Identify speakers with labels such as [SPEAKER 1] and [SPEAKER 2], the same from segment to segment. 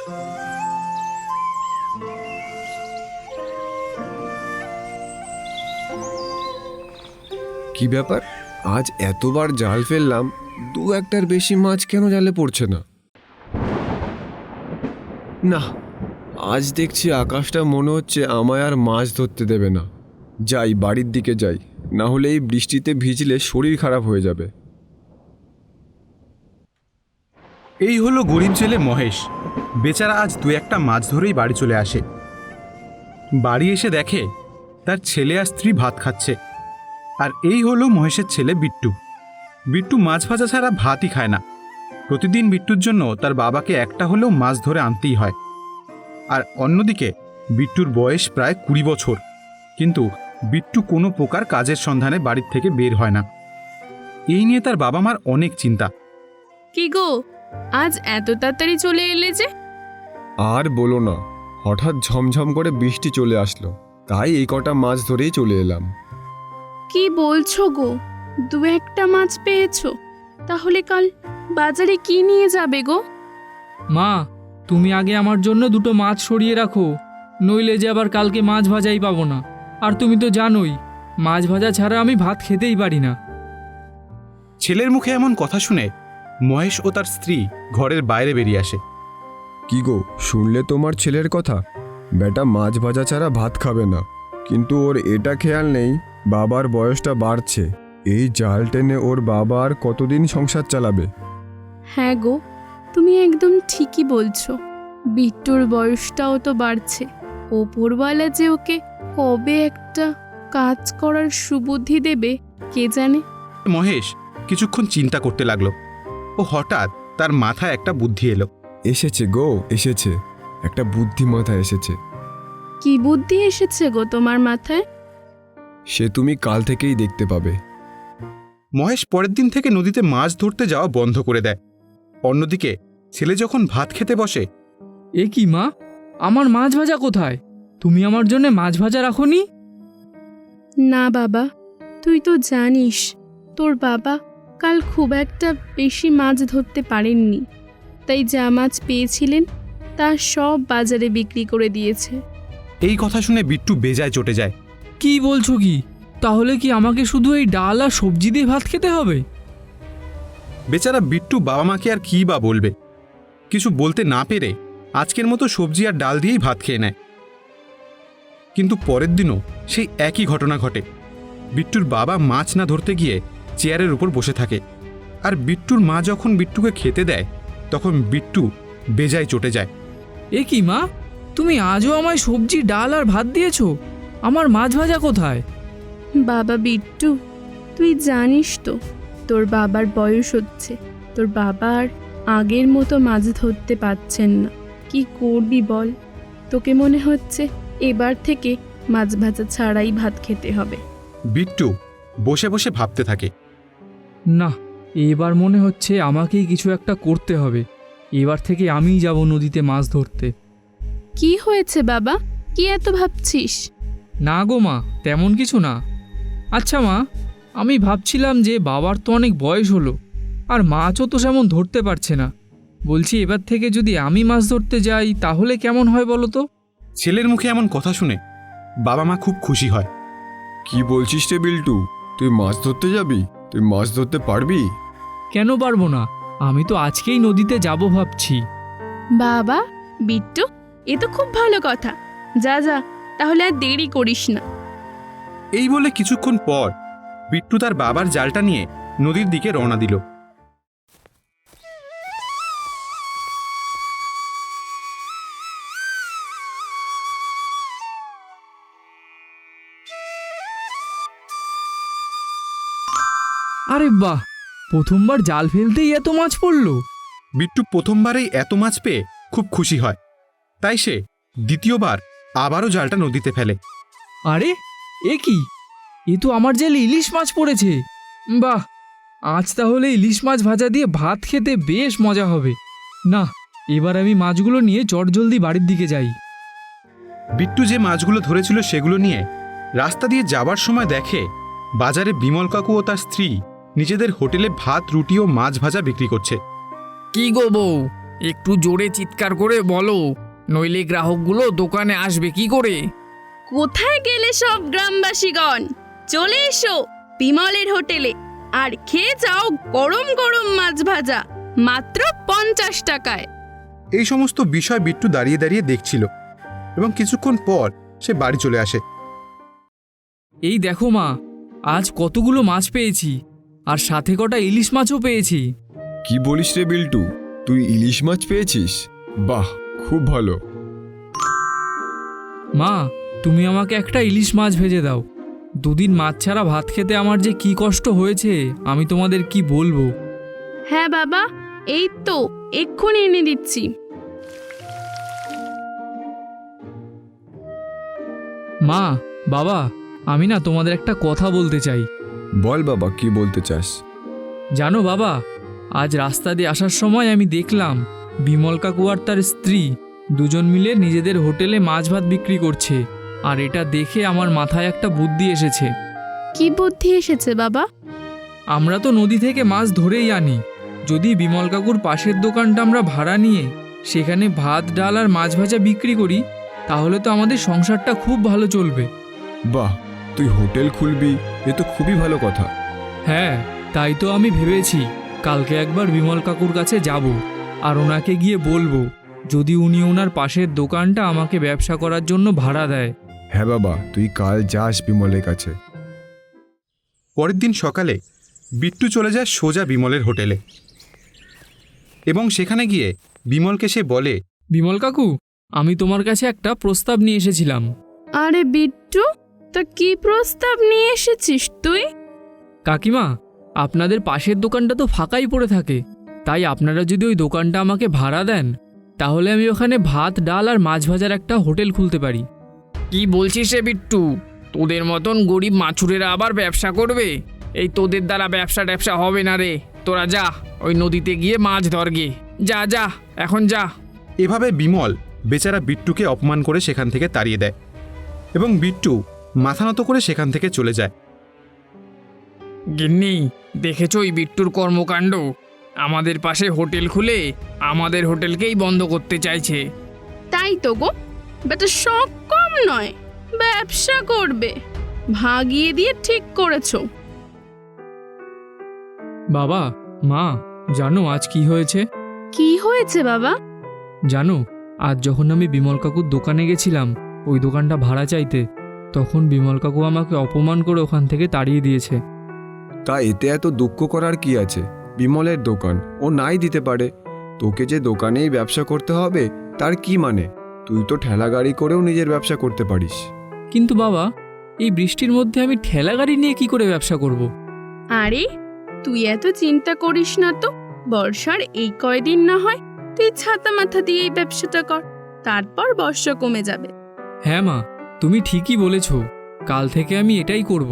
[SPEAKER 1] কি ব্যাপার, আজ এতবার জাল ফেললাম, দু একটার বেশি মাছ কেন জালে পড়ছে না? না, আজ দেখছি আকাশটা মনে হচ্ছে আমায় আর মাছ ধরতে দেবে না। যাই, বাড়ির দিকে যাই, না হলে এই বৃষ্টিতে ভিজলে শরীর খারাপ হয়ে যাবে।
[SPEAKER 2] এই হলো গরিব ছেলে মহেশ। বেচারা আজ দু একটা মাছ ধরেই বাড়ি চলে আসে। বাড়ি এসে দেখে তার ছেলে আর স্ত্রী ভাত খাচ্ছে। আর এই হলো মহেশের ছেলে বিট্টু। বিট্টু মাছ ভাজা ছাড়া ভাতই খায় না। প্রতিদিন বিট্টুর জন্য তার বাবাকে একটা হলেও মাছ ধরে আনতেই হয়। আর অন্যদিকে বিট্টুর বয়স প্রায় 20 বছর, কিন্তু বিট্টু কোনো প্রকার কাজের সন্ধানে বাড়ির থেকে বের হয় না। এই নিয়ে তার বাবা মার অনেক চিন্তা।
[SPEAKER 3] কি গো, আজ এত তাড়াতাড়ি চলে এলে যে?
[SPEAKER 1] আর বলো না, হঠাৎ ঝমঝম করে বৃষ্টি চলে আসলো, তাই এই কটা মাছ ধরেই চলে এলাম।
[SPEAKER 3] কি বলছো গো, দু একটা মাছ পেয়েছো? তাহলে কাল বাজারে কি নিয়ে যাবে গো?
[SPEAKER 4] মা, তুমি আগে আমার জন্য দুটো মাছ সরিয়ে রাখো, নইলে যে আবার কালকে মাছ ভাজাই পাবো না। আর তুমি তো জানোই, মাছ ভাজা ছাড়া আমি ভাত খেতেই পারি না।
[SPEAKER 2] ছেলের মুখে এমন কথা শুনে মহেশ ও তার স্ত্রী ঘরের বাইরে বেরিয়ে আসে।
[SPEAKER 1] কি গো, শুনলে তোমার ছেলের কথা? বেটা মাছ ভাজা ছাড়া ভাত খাবে না, কিন্তু ওর এটা খেয়াল নেই বাবার বয়সটা বাড়ছে। এই জাল টেনে ওর বাবা আর কতদিন সংসার চালাবে?
[SPEAKER 3] হ্যাঁ গো, তুমি একদম ঠিকই বলছো। বিট্টুর বয়সটাও তো বাড়ছে। ওপরওয়ালা যে ওকে কবে একটা কাজ করার সুবুদ্ধি দেবে কে জানে।
[SPEAKER 2] মহেশ কিছুক্ষণ চিন্তা করতে লাগলো। ও হঠাৎ তার মাথায় একটা বুদ্ধি এলো।
[SPEAKER 1] এসেছে গো, এসেছে, একটা বুদ্ধি মাথায় এসেছে।
[SPEAKER 3] কি বুদ্ধি এসেছে গো তোমার মাথায়?
[SPEAKER 1] সে তুমি কাল থেকেই দেখতে পাবে।
[SPEAKER 2] মহেশ পরের দিন থেকে নদীতে মাছ ধরতে যাওয়া বন্ধ করে দেয়। অন্যদিকে ছেলে যখন ভাত খেতে বসে,
[SPEAKER 4] এ কি মা, আমার মাছ ভাজা কোথায়? তুমি আমার জন্য মাছ ভাজা রাখোনি?
[SPEAKER 3] না বাবা, তুই তো জানিস তোর বাবা কাল খুব একটা বেশি মাছ ধরতে পারেননি, তাই যা মাছ পেয়েছিলেন তা সব বাজারে বিক্রি করে দিয়েছে।
[SPEAKER 2] এই কথা শুনে বিট্টু বেজায় চটে যায়।
[SPEAKER 4] কি বলছো কি? তাহলে কি আমাকে শুধু এই ডাল আর সবজি দিয়ে ভাত খেতে হবে?
[SPEAKER 2] বেচারা বিট্টু বাবা মাকে আর কী বা বলবে। কিছু বলতে না পেরে আজকের মতো সবজি আর ডাল দিয়েই ভাত খেয়ে নেয়। কিন্তু পরের দিনও সেই একই ঘটনা ঘটে। বিট্টুর বাবা মাছ না ধরতে গিয়ে চেয়ারের উপর বসে থাকে। আর বিট্টুর মা যখন বিট্টুকে খেতে দেয়, তখন বিট্টু বেজায় চটে যায়।
[SPEAKER 4] এ কি মা, তুমি আজও আমায় সবজি ডাল আর ভাত দিয়েছো? আমার মাছ ভাজা কোথায়?
[SPEAKER 3] বাবা বিট্টু, তুই জানিস তো তোর বাবার বয়স হচ্ছে। তোর বাবা আর আগের মতো মাছ ধরতে পারছেন না। কি করবি বল? তোকে মনে হচ্ছে এবার থেকে মাছ ভাজা ছাড়াই ভাত খেতে হবে।
[SPEAKER 2] বিট্টু বসে বসে ভাবতে থাকে।
[SPEAKER 4] না, এবার মনে হচ্ছে আমাকেই কিছু একটা করতে হবে। এবার থেকে আমিই যাব নদীতে মাছ ধরতে।
[SPEAKER 3] কি হয়েছে বাবা, কি এত ভাবছিস?
[SPEAKER 4] না গো মা, তেমন কিছু না। আচ্ছা মা, আমি ভাবছিলাম যে বাবার তো অনেক বয়স হলো, আর মাছও তো সেমন ধরতে পারছে না। বলছি এবার থেকে যদি আমি মাছ ধরতে যাই তাহলে কেমন হয় বলো তো?
[SPEAKER 2] ছেলের মুখে এমন কথা শুনে বাবা মা খুব খুশি হয়।
[SPEAKER 1] কি বলছিস রে বিল্টু, তুই মাছ ধরতে যাবি? তুই মাছ ধরতে পারবি?
[SPEAKER 4] কেন পারবো না? আমি তো আজকেই নদীতে যাব ভাবছি।
[SPEAKER 3] বাবা বিট্টু, এ তো খুব ভালো কথা। যা যা, তাহলে আর দেরি করিস না।
[SPEAKER 2] এই বলে কিছুক্ষণ পর বিট্টু তার বাবার জালটা নিয়ে নদীর দিকে রওনা দিল।
[SPEAKER 4] আরে বাহ, প্রথমবার জাল ফেলতেই এত মাছ পড়লো।
[SPEAKER 2] বিট্টু প্রথমবারেই এত মাছ পেয়ে খুব খুশি হয়। তাই সে দ্বিতীয়বার আবারও জালটা নদীতে ফেলে।
[SPEAKER 4] আরে এ কি, এ তো আমার জালে ইলিশ মাছ পড়েছে। বাহ, আজ তাহলে ইলিশ মাছ ভাজা দিয়ে ভাত খেতে বেশ মজা হবে। না, এবার আমি মাছগুলো নিয়ে চটজলদি বাড়ির দিকে যাই।
[SPEAKER 2] বিট্টু যে মাছগুলো ধরেছিল সেগুলো নিয়ে রাস্তা দিয়ে যাবার সময় দেখে বাজারে বিমল কাকু ও তার স্ত্রী নিজেদের হোটেলে ভাত, রুটি ও মাছ ভাজা বিক্রি করছে।
[SPEAKER 4] কি গো বউ, একটু জোরে চিৎকার করে বলো, নইলে গ্রাহকগুলো দোকানে আসবে কি করে?
[SPEAKER 3] কোথায় গেলে সব গ্রামবাসীগণ? চলে এসো বিমলের হোটেলে আর খেয়ে যাও গরম গরম মাছ ভাজা, মাত্র 50 টাকায়।
[SPEAKER 2] এই সমস্ত বিষয় বিট্টু দাঁড়িয়ে দাঁড়িয়ে দেখছিল এবং কিছুক্ষণ পর সে বাড়ি চলে আসে।
[SPEAKER 4] এই দেখো মা, আজ কতগুলো মাছ পেয়েছি, আর সাথে কটা ইলিশ মাছও পেয়েছি।
[SPEAKER 1] কি বলিস রে বিল্টু, তুই ইলিশ মাছ পেয়েছিস? বাহ, খুব ভালো।
[SPEAKER 4] মা, তুমি আমাকে একটা ইলিশ মাছ ভেজে দাও। দুদিন মাছ ছাড়া ভাত খেতে আমার যে কি কষ্ট হয়েছে আমি তোমাদের কি বলবো।
[SPEAKER 3] হ্যাঁ বাবা, এই তো এক্ষুনি এনে দিচ্ছি।
[SPEAKER 4] মা, বাবা, আমি না তোমাদের একটা কথা বলতে চাই।
[SPEAKER 1] বল বাবা, কি বলতে চাস?
[SPEAKER 4] জানো বাবা, আজ রাস্তা দিয়ে আসার সময় আমি দেখলাম বিমল কাকু আর তার স্ত্রী দুজন মিলে নিজেদের হোটেলে মাছ ভাত বিক্রি করছে। আর এটা দেখে আমার মাথায় একটা বুদ্ধি এসেছে।
[SPEAKER 3] কি বুদ্ধি এসেছে বাবা?
[SPEAKER 4] আমরা তো নদী থেকে মাছ ধরেই আনি। যদি বিমল কাকুর পাশের দোকানটা আমরা ভাড়া নিয়ে সেখানে ভাত ডাল আর মাছ ভাজা বিক্রি করি, তাহলে তো আমাদের সংসারটা খুব ভালো চলবে।
[SPEAKER 1] বাহ, তুই হোটেল খুলবি, এ তো খুবই ভালো কথা।
[SPEAKER 4] হ্যাঁ, তাই তো আমি ভেবেছি কালকে একবার বিমল কাকুর কাছে যাব আর ওনাকে গিয়ে বলবো যদি উনি ওনার পাশের দোকানটা আমাকে ব্যবসা করার জন্য ভাড়া দেয়।
[SPEAKER 1] হ্যাঁ বাবা, তুই কাল যাস বিমলের কাছে।
[SPEAKER 2] পরের দিন সকালে বিট্টু চলে যায় সোজা বিমলের হোটেলে এবং সেখানে গিয়ে বিমলকে সে বলে,
[SPEAKER 4] বিমল কাকু, আমি তোমার কাছে একটা প্রস্তাব নিয়ে এসেছিলাম।
[SPEAKER 3] আরে বিট্টু, তা কি প্রস্তাব নিয়ে এসেছিস তুই?
[SPEAKER 4] কাকিমা, আপনাদের পাশের দোকানটা তো ফাঁকাই পড়ে থাকে, তাই আপনারা যদি ওই দোকানটা আমাকে ভাড়া দেন তাহলে আমি ওখানে ভাত ডাল আর মাছ ভাজার একটা হোটেল খুলতে পারি। কি বলছিস রে বিট্টু, তোদের মতন গরিব মাছুরেরা আবার ব্যবসা করবে? এই তোদের দ্বারা ব্যবসা হবে না রে। তোরা যা, ওই নদীতে গিয়ে মাছ ধরগে। যা যা, এখন যা।
[SPEAKER 2] এভাবে বিমল বেচারা বিট্টুকে অপমান করে সেখান থেকে তাড়িয়ে দেয় এবং বিট্টু মাথা নত করে সেখান থেকে চলে যায়।
[SPEAKER 4] গিন্নি, দেখেছো ওই বিট্টুর কর্মকাণ্ড? আমাদের পাশে হোটেল খুলে আমাদের হোটেলকেই বন্ধ করতে চাইছে।
[SPEAKER 3] তাই তো গো, বেটা শখ কম নয়, ব্যবসা করবে। ভাগিয়ে দিয়ে ঠিক করেছো।
[SPEAKER 4] বাবা, মা, জানো আজ কি হয়েছে?
[SPEAKER 3] কি হয়েছে বাবা?
[SPEAKER 4] জানো, আজ যখন আমি বিমল কাকুর দোকানে গেছিলাম ওই দোকানটা ভাড়া চাইতে, তখন বিমল কাকু আমাকে অপমান করে ওখান থেকে তাড়িয়ে দিয়েছে।
[SPEAKER 1] তা এতে এত দুঃখ করার কি আছে? বিমলের দোকান, ও নাই দিতে পারে। তোকে যে দোকানেই ব্যবসা করতে হবে তার কি মানে? তুই তো ঠেলা গাড়ি করেও নিজের ব্যবসা করতে পারিস।
[SPEAKER 4] কিন্তু বাবা, এই বৃষ্টির মধ্যে আমি ঠেলা গাড়ি নিয়ে কি করে ব্যবসা করব?
[SPEAKER 3] আরে তুই এত চিন্তা করিস না তো। বর্ষার এই কয়দিন না হয় তুই ছাতা মাথা দিয়ে এই ব্যবসাটা কর, তারপর বর্ষা কমে যাবে।
[SPEAKER 4] হ্যাঁ মা, তুমি ঠিকই বলেছ, কাল থেকে আমি এটাই করব।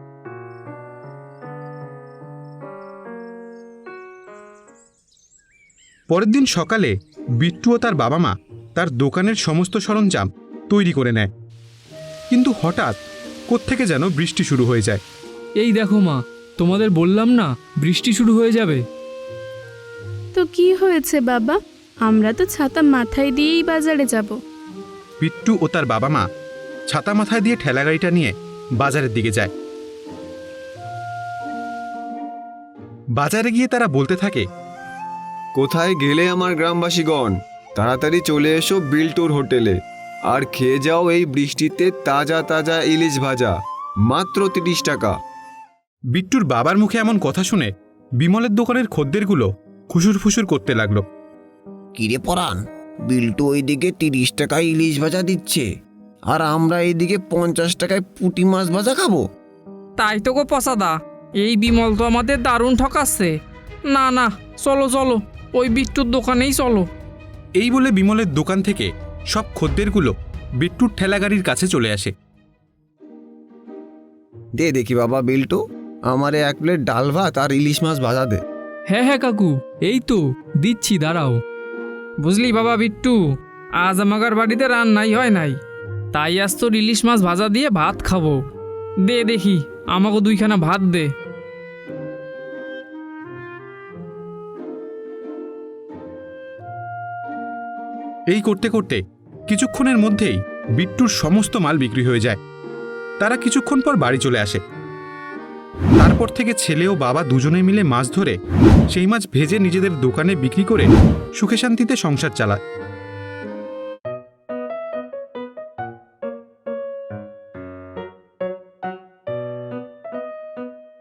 [SPEAKER 2] পরের দিন সকালে বিট্টু ও তার বাবা মা তার দোকানের সমস্ত সরঞ্জাম তৈরি করে নেয়, কিন্তু হঠাৎ কোত্থেকে যেন বৃষ্টি শুরু হয়ে যায়।
[SPEAKER 4] এই দেখো মা, তোমাদের বললাম না বৃষ্টি শুরু হয়ে যাবে।
[SPEAKER 3] তো কি হয়েছে বাবা? আমরা তো ছাতা মাথায় দিয়েই বাজারে যাব।
[SPEAKER 2] বিট্টু ও তার বাবা মা ছাতা মাথায় দিয়ে ঠেলা গাড়িটা নিয়ে বাজারের দিকে যায়। বাজারে গিয়ে তারা বলতে থাকে,
[SPEAKER 1] কোথায় গেলে আমার গ্রামবাসীগণ? তাড়াতাড়ি চলে এসো বিল্টুর হোটেলে আর খেয়ে যাও এই বৃষ্টিতে তাজা তাজা ইলিশ ভাজা, মাত্র 30 টাকা।
[SPEAKER 2] বিট্টুর বাবার মুখে এমন কথা শুনে বিমলের দোকানের খদ্দেরগুলো খুশুর ফুসুর করতে লাগলো।
[SPEAKER 5] কিরে পরাণ, বিল্টু ওইদিকে 30 টাকায় ইলিশ ভাজা দিচ্ছে আর আমরা এইদিকে 50 টাকায় পুঁটি মাছ ভাজা খাবো।
[SPEAKER 4] তাই তো গো পসাদা, এই বিমল তো আমাদের দারুণ ঠকাচ্ছে। না না, চলো চলো, ওই বিট্টুর দোকানেই চলো।
[SPEAKER 2] এই বলে বিমলের দোকান থেকে সব খদ্দেরগুলো বিট্টুর ঠেলা গাড়ির কাছে চলে আসে।
[SPEAKER 5] দে দেখি বাবা বিল্টু, আমারে 1 প্লেট ডাল ভাত আর ইলিশ মাছ ভাজা দে।
[SPEAKER 4] হ্যাঁ হ্যাঁ কাকু, এই তো দিচ্ছি, দাঁড়াও। বুঝলি বাবা বিট্টু, আজ আমাদের বাড়িতে রান্নাই হয় নাই, তাই আজ তোর ইলিশ মাছ ভাজা দিয়ে ভাত খাবো। দে দেখি, আমাকে 2খানা ভাত দে।
[SPEAKER 2] এই করতে করতে কিছুক্ষণের মধ্যেই বিট্টুর সমস্ত মাল বিক্রি হয়ে যায়। তারা কিছুক্ষণ পর বাড়ি চলে আসে। তারপর থেকে ছেলে ও বাবা দুজনে মিলে মাছ ধরে সেই মাছ ভেজে নিজেদের দোকানে বিক্রি করে সুখে শান্তিতে সংসার চালায়।